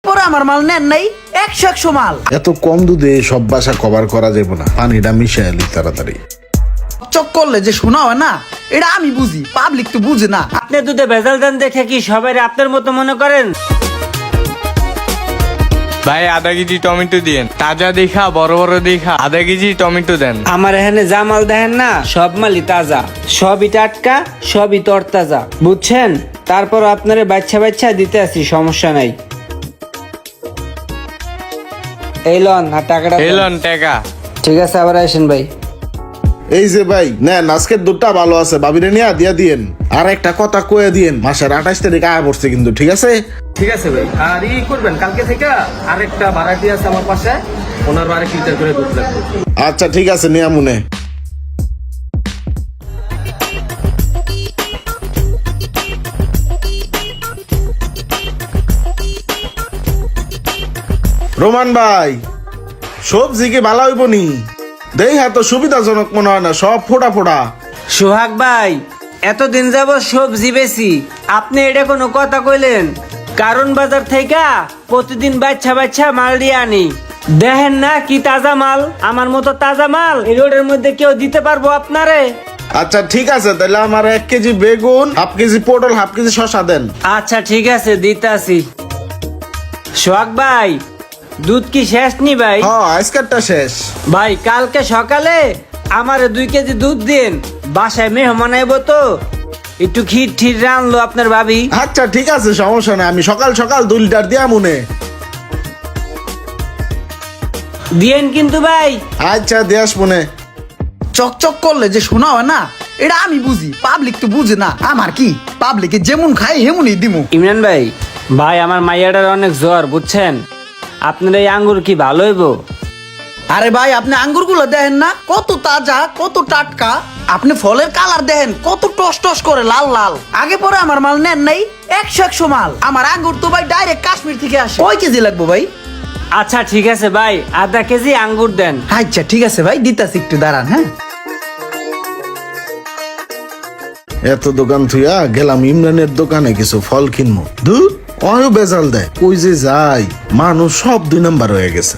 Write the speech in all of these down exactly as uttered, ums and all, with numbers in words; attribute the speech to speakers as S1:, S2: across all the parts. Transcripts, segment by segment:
S1: পরে আমার মাল নেন নাই একশো একশো মাল।
S2: এত কম দুধে সব বাসা কভার করা যাবে না, পানিটা মিশাই এলি তাড়াতাড়ি।
S1: চক করলে যে শোনা হয় না, এটা আমি বুঝি, পাবলিক তো বুঝে না।
S3: আপনি দুধে ভেজাল দেন দেখে কি সবাই আপনার মতো মনে করেন?
S4: ভাই আধা কেজি টমেটো দিন, তাজা দেখা বড় বড় দেখা আধা কেজি টমেটো দেন।
S3: আমার এখানে যা মাল দেখেন না সব মালই তাজা, সবই টাটকা, সবই তরতাজা, বুঝছেন? তারপর আপনারে বাচ্চা বাচ্চা দিতে আসি, সমস্যা নাই। এই লন আর টাকাটা দেন।
S4: এলন টাকা।
S3: ঠিক আছে, আবার আসেন ভাই।
S2: এই যে ভাই নেন, আজকের দুধটা ভালো আছে, বাবিরে নিয়ে দিয়া দিয়েন। আর একটা কথা কয়ে দিয়েন, মাসের আঠাশ তারিখ আয়া পড়ছে কিন্তু, ঠিক আছে?
S5: ঠিক আছে ভাই। আর ই করবেন, কালকে থেকে আরেকটা ভাড়াটি আছে আমার পাশে, ওনার আরেক লিটার করে দুধ লাগবে।
S2: আচ্ছা ঠিক আছে, নিয়া মনে। রোমান ভাই, সবজি কি ভালো হইব নি? দেই হ্যাঁ, তো সুবিধাজনক মনে হয় না, সব ফোটা ফোটা।
S3: সোহাগ ভাই, এতদিন যাবত সবজি বেশি, আপনি এটা কোনো কথা কইলেন? কারণ বাজার থেকে প্রতিদিন বাচ্চা বাচ্চা মাল দিয়ে আনি, দেখেন না কি তাজা মাল। আমার মতো তাজা মাল এই রোডের মধ্যে কেউ দিতে পারবো আপনারে?
S2: আচ্ছা ঠিক আছে, তাহলে আমার এক কেজি বেগুন, হাফ কেজি পটল, হাফ কেজি শসা দেন।
S3: আচ্ছা ঠিক আছে, দিতাছি। সোহাগ ভাই, দুধ কি শেষ নি ভাই?
S2: হ্যাঁ, আজকেরটা শেষ।
S3: ভাই কালকে সকালে আমারে দুই কেজি দুধ দিন, বাসায় মেহমান আইবো তো, একটু ক্ষীর ঠির রানলো আপনার ভাবি।
S2: আচ্ছা ঠিক আছে, সমস্যা নাই, আমি সকাল সকাল দুই লিটার দিয়া মনে।
S3: দিয়েন কিন্তু ভাই।
S2: আচ্ছা দেশ মনে।
S1: চকচক করলে যে শোনা হয় না, এটা আমি বুঝি, পাবলিক তো বুঝে না। আমার কি, পাবলিকে যেমন খাই হেমনই দিমু।
S3: ইমরান ভাই, ভাই আমার মাইয়াটার অনেক জ্বর, বুঝছেন? আপনার এই আঙ্গুর কি ভালো হইব?
S1: আরে ভাই, আপনি আঙ্গুর গুলো দেখেন না, কত তাজা, কত টাটকা। আপনি ফলের কালার দেখেন, কত টস টস করে লাল লাল। আগে পরে আমার মাল নেন নাই একশো একশো মাল। আমার আঙ্গুর তো ভাই ডাইরেক্ট কাশ্মীর থেকে আসে। কয় কেজি লাগবো ভাই?
S3: আচ্ছা ঠিক আছে ভাই, আধা কেজি আঙ্গুর দেন।
S1: আচ্ছা ঠিক আছে ভাই, দিতাছি, একটু দাঁড়ান। হ্যাঁ,
S2: এত দোকান থুইয়া গেলাম ইমরানের দোকানে কিছু ফল কিনবো, দূর অয় বেজাল দেয়, কই যে যাই, মানুষ সব দুই নাম্বার হয়ে গেছে।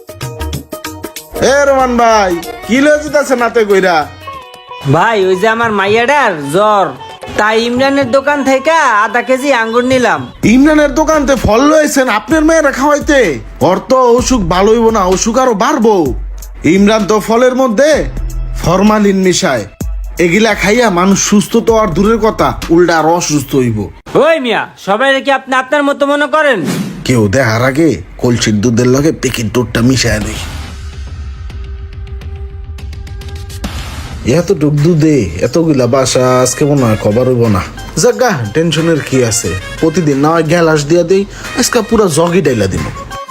S2: এ রোমান ভাই, কি লয়ে যেতেছে নাতে কইরা?
S3: ভাই ওই যে আমার মাইয়াটার জ্বর, তাই ইমরানের দোকান থেকে আধা কেজি আঙ্গুর নিলাম।
S2: ইমরানের দোকানতে ফল লয়েছেন আপনার মেয়েরা খাওয়াইতে? ওর তো অসুখ ভালো হইব না, অসুখ আরো বাড়বো। ইমরান তো ফলের মধ্যে ফরমালিন মিশায়, এগুলা খাইয়া মানুষ সুস্থ তো আর দূরের কথা, উল্টা আরো অসুস্থ হইব।
S3: ওই মিয়া, সবাই কি আপনি আপনার মতো মনে করেন?
S2: কেউ দেখার আগে কলসির দুধের লগে প্যাকেট দুধটা মিশায় দেয়। এতটুক দুধে এতগুলা বাসা, আজকে মনে হয় খবর হইব না। জাগা, টেনশনের কি আছে, প্রতিদিন না হয় গ্যালাস দিয়া দেই, আজকে পুরা জগি ডাইলা দিব।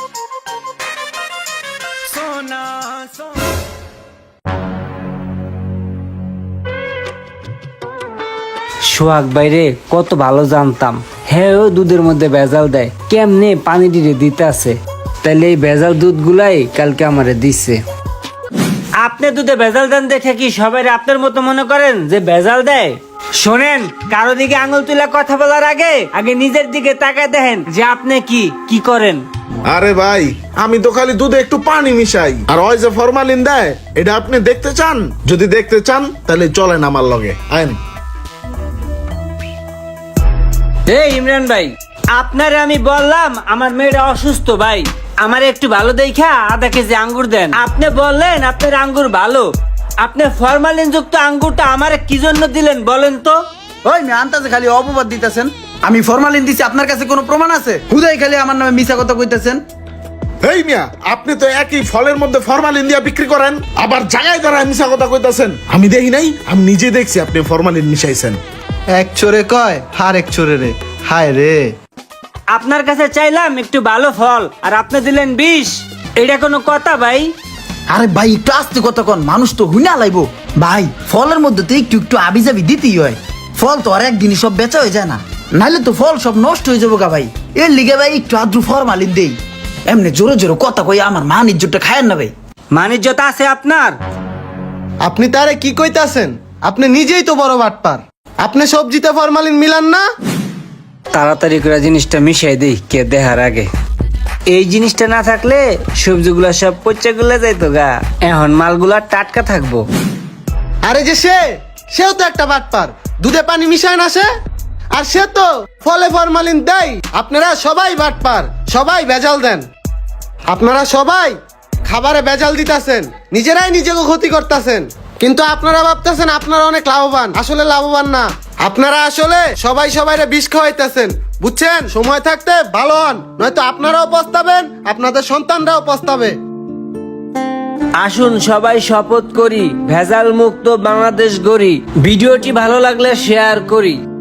S3: সোহাগ বাইরে কত ভালো জানতাম, হ্যাঁ ও দুধের মধ্যে ভেজাল দেয়, কেমনে পানি দিয়ে দিতে আছে, তাইলে এই ভেজাল দুধ গুলাই কালকে আমারে দিচ্ছে। আপনি দুধে ভেজাল দেন দেখে কি সবাই আপনার মতো মনে করেন যে ভেজাল দেয়? শোনেন, কারো দিকে আঙুল তুলে কথা বলার আগে আগে নিজের দিকে তাকায় দেখেন যে আপনি কি কি করেন।
S2: আরে ভাই, আমি তো খালি দুধে একটু পানি মিশাই, আর ওই যে ফরমালিন দেয়, এটা আপনি দেখতে চান? যদি দেখতে চান তাহলে চলেন আমার লগে, আইন।
S3: এই ইমরান ভাই, আপনারে আমি বললাম আমার মেয়েটা অসুস্থ, ভাই আমার একটু ভালো দেখা আধা কেজি আঙ্গুর দেন। আপনি বললেন আপনার আঙ্গুর ভালো, আপনি ফরমালিন যুক্ত আঙ্গুরটা আমারে কি জন্য দিলেন বলেন তো?
S1: ওই মেয়ে আনতাছে খালি অপবাদ দিতেছেন। আমি ফরমালিন দিছি, আপনার কাছে কোনো প্রমাণ আছে? হুদাই খালি আমার নামে মিছা কথা কইতেছেন।
S2: এই মিয়া, আপনি তো একই ফলের মধ্যে ফরমালিন দিয়া বিক্রি করেন, আবার জায়গায় দাঁড়ায় মিশা কথা কইতাছেন। আমি দেখি নাই, আমি নিজে দেখছি আপনি ফরমালিন মিশাইছেন।
S6: এক চোরে কয় হার এক চোরে রে, হায় রে।
S3: আপনার কাছে চাইলাম একটু ভালো ফল, আর আপনি দিলেন বিষ। এটা কোনো কথা ভাই?
S1: আরে ভাই, একটু আস্তে কথা কন, মানুষ তো হুইনা লাইবো। ভাই, ফলের মধ্যে তো একটু একটু আবি যাবি দিতেই হয়। ফল তো আর একদিনই সব বেচা হয়ে যায় না, নাইলে তো ফল সব নষ্ট হয়ে যাবো গা ভাই। এর লিগে ভাই একটু আদ্রু ফরমালিন দেই। এমনি জোরে জোরে কথা কই আমার মান ইজ্জতটা খায়েন না ভাই।
S3: মানিজ্যতা আছে আপনার?
S6: আপনি তারে কি কইতাছেন? আপনি নিজেই তো বড় বাটপার। আপনি সবজিতে ফরমালিন মিলান না?
S3: তাড়াতাড়ি করে জিনিসটা মিশাই দেই কে দেখার আগে। এই জিনিসটা না থাকলে সবজিগুলা সব পচে গুলা যাইতো গা, এখন মালগুলা টাটকা থাকবো।
S6: আরে যে সে সেও তো একটা বাটপার, দুধে পানি মিশায় না সে, আর সে তো ফলে ফরমালিন দেয়। আপনারা সবাই বাটপার, সবাই ভেজাল দেন। আপনারা সবাই খাবারে ভেজাল দিতাছেন, নিজেরাই নিজেকে ক্ষতি করতেছেন। কিন্তু আপনারা ভাবতেছেন আপনারা অনেক লাভবান, আসলে লাভবান না। আপনারা আসলে সবাই সবাইরে বিষ খাওয়াইতেছেন, বুঝছেন? সময় থাকতে ভালো হন, নয়তো আপনারাও পস্তাবেন, আপনাদের সন্তানরাও পস্তাবে।
S3: আসুন সবাই শপথ করি, ভেজাল মুক্ত বাংলাদেশ গড়ি। ভিডিওটি ভালো লাগলে শেয়ার করি।